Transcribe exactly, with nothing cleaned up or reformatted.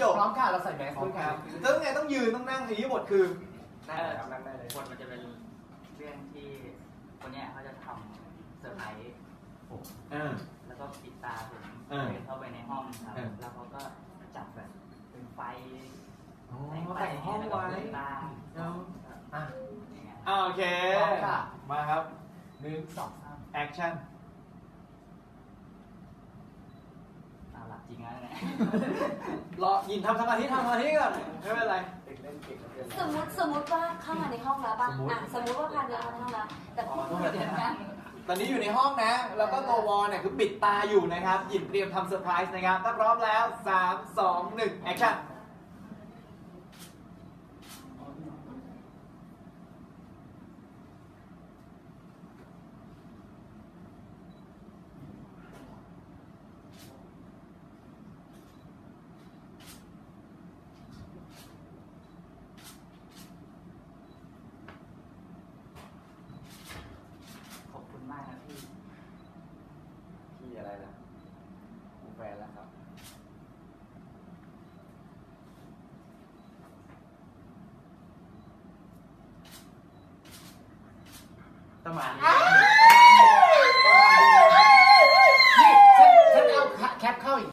จบพร้อมค่ะเราใส่แมสพร้อด้มวยคครัรับบ แล้วไงต้องยืนต้องนั่งอย่างนี้บทคือนั่งเลยครับนั่งได้เลยบทมันจะเป็นเรื่องที่คนเนี้ยเขาจะทำเซอร์ไพรส์ผมอ่าแล้วก็ปิดตาผมอ่าเดินเข้าไปในห้องครับอ่าแล้วเขาก็จัดแบบเป็นไฟอ๋อแต่งไฟแต่งห้องแล้วก็ไว้เปิดตาเอาอ่ะอย่างเงี้ยอ่าโอเคพร้อมค่ะมาครับหนึ่งสองสามแอคชั่นอ่าหลับจริงนะเนี่ยรอยินทำสมาธิทำสมาธิก่อนไม่เป็นไรเด็กเล่นเก่งเหลือเกินสมมติสมมติว่าเข้ามาในห้องแล้วป่ะสมมุติอ่ะสมมติว่าพาเดินเข้ามาในห้องแล้ว แต่พูดไม่เหมือนกันตอนนี้อยู่ในห้องนะ แล้วก็ตัววอลเนี่ยคือปิดตาอยู่นะครับหยินเตรียมทำเซอร์ไพรส์นะครับถ้าพร้อมแล้วสามสองหนึ่งแอคชั่นขอบคุณมากนะพี่พี่อะไรล่ะกูแฟนแล้วครับต้องมาอ้าว